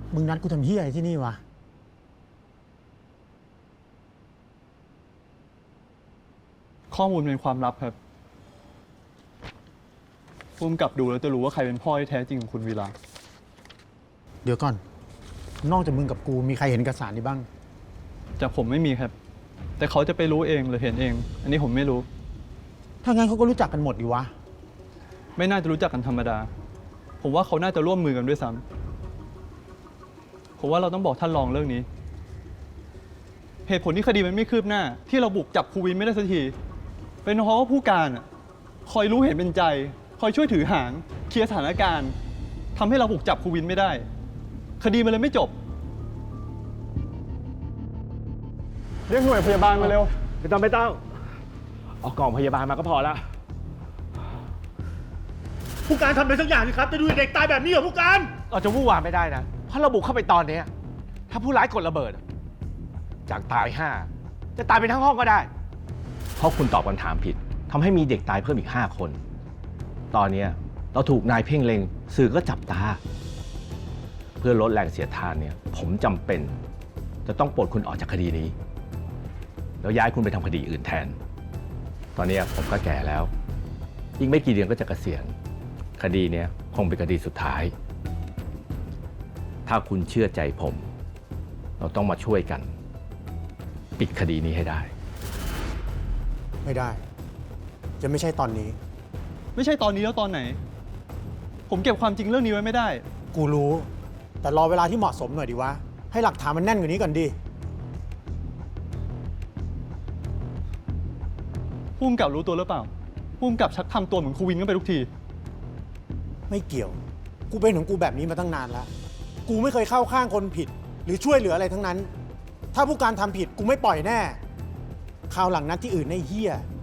มึงนัดกูทำเฮียอะไรที่นี่วะข้อมูลเป็นความลับครับพุ่มกับดูแล้วจะรู้ว่าใครเป็นพ่อที่แท้จริงของคุณวีระเดี๋ยวก่อน นอกจากมึงกับกูมีใครเห็นเอกสารนี้บ้างจากผมไม่มีครับ แต่เขาจะไปรู้เองหรือเห็นเอง อันนี้ผมไม่รู้ถ้างั้นเขาก็รู้จักกันหมดดิวะไม่น่าจะรู้จักกันธรรมดา ผมว่าเขาน่าจะร่วมมือกันด้วยซ้ำผมว่าเราต้องบอกท่านรองเรื่องนี้ เหตุผลที่คดีมันไม่คืบหน้า ที่เราบุกจับครูวินไม่ได้สักทีเป็นเพราะว่าผู้การคอยรู้เห็นเป็นใจ คอยช่วยถือหางเคลียร์สถานการณ์ทำให้เราบุกจับครูวินไม่ได้ คดีมันเลยไม่จบเรียกหน่วยพยาบาลมาเร็วไม่ต้องเอากล่องพยาบาลมาก็พอละผู้การทำอะไรสักอย่างสิครับจะดูเด็กตายแบบนี้เหรอผู้การเราจะวู่วามไม่ได้นะเพราะเราบุกเข้าไปตอนนี้ถ้าผู้ร้ายกดระเบิดจากตาย5จะตายเป็นทั้งห้องก็ได้เพราะคุณตอบคำถามผิดทำให้มีเด็กตายเพิ่มอีก5 คน ตอนนี้เราถูกนายเพ่งเล็งสื่อก็จับตา เพื่อลดแรงเสียดทานเนี่ยผมจำเป็นจะต้องปลดคุณออกจากคดีนี้ แล้วย้ายคุณไปทำคดีอื่นแทน ตอนนี้ผมก็แก่แล้วอีกไม่กี่เดือนก็จะเกษียณคดีเนี้ยคงเป็นคดีสุดท้าย ถ้าคุณเชื่อใจผม เราต้องมาช่วยกัน ปิดคดีนี้ให้ได้ไม่ได้ จะไม่ใช่ตอนนี้ไม่ใช่ตอนนี้แล้วตอนไหน ผมเก็บความจริงเรื่องนี้ไว้ไม่ได้กูรู้ แต่รอเวลาที่เหมาะสมหน่อยดิวะ ให้หลักฐานมันแน่นกว่านี้ก่อนดิผู้กำกับรู้ตัวหรือเปล่าผู้กำกับชักทำตัวเหมือนครูวินกันไปทุกทีไม่เกี่ยว กูเป็นของกูแบบนี้มาตั้งนานแล้ว กูไม่เคยเข้าข้างคนผิด หรือช่วยเหลืออะไรทั้งนั้น ถ้าผู้การทำผิดกูไม่ปล่อยแน่คราวหลังนัดที่อื่นไอ้เหี้ย